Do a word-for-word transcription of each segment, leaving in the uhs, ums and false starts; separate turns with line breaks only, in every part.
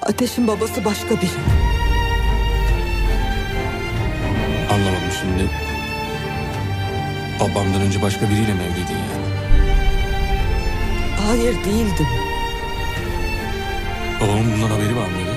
Ateş'in babası başka biri.
Anlamadım şimdi. Babamdan önce başka biriyle mi evliydin yani?
Hayır, değildim.
Babamın bundan haberi var mıydı?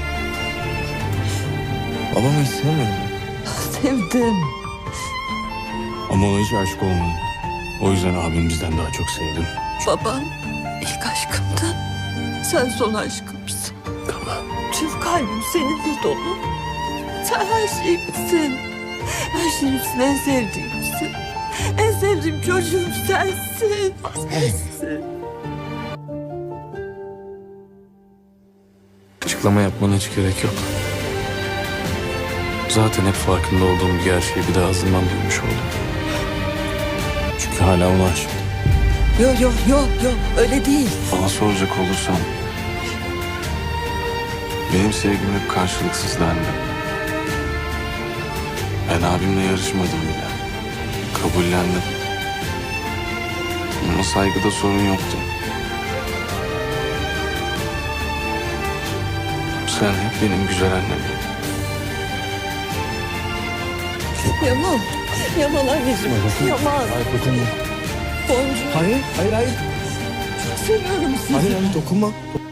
Babamı hiç sevmedin.
Sevdim.
Ama ona hiç aşık olmadım. O yüzden abim bizden daha çok sevdim.
Baban ilk aşkımdı. Sen son aşkımsın.
Tamam.
Tüm kalbim seninle dolu. Sen her şeyimsin. Her şeyimsin, en sevdiğimsin. En sevdiğim çocuğum sensin. Sensin.
Açıklama yapmana hiç gerek yok. Zaten hep farkında olduğum bir gerçeği bir de ağzından duymuş oldum. Çünkü hala ona aşık.
Yok yok yok yok, öyle değil.
Bana soracak olursan... benim sevgim hep karşılıksızdı anne. Ben abimle yarışmadım bile. Kabullendim. Ama saygıda sorun yoktu. Sen hep benim güzel annem.
Yaman. Yaman anneciğim. Yaman.
Hayır dokunma.
Boncuğum.
Hayır hayır hayır.
Çok seviyorum sizi.
Hayır hayır dokunma.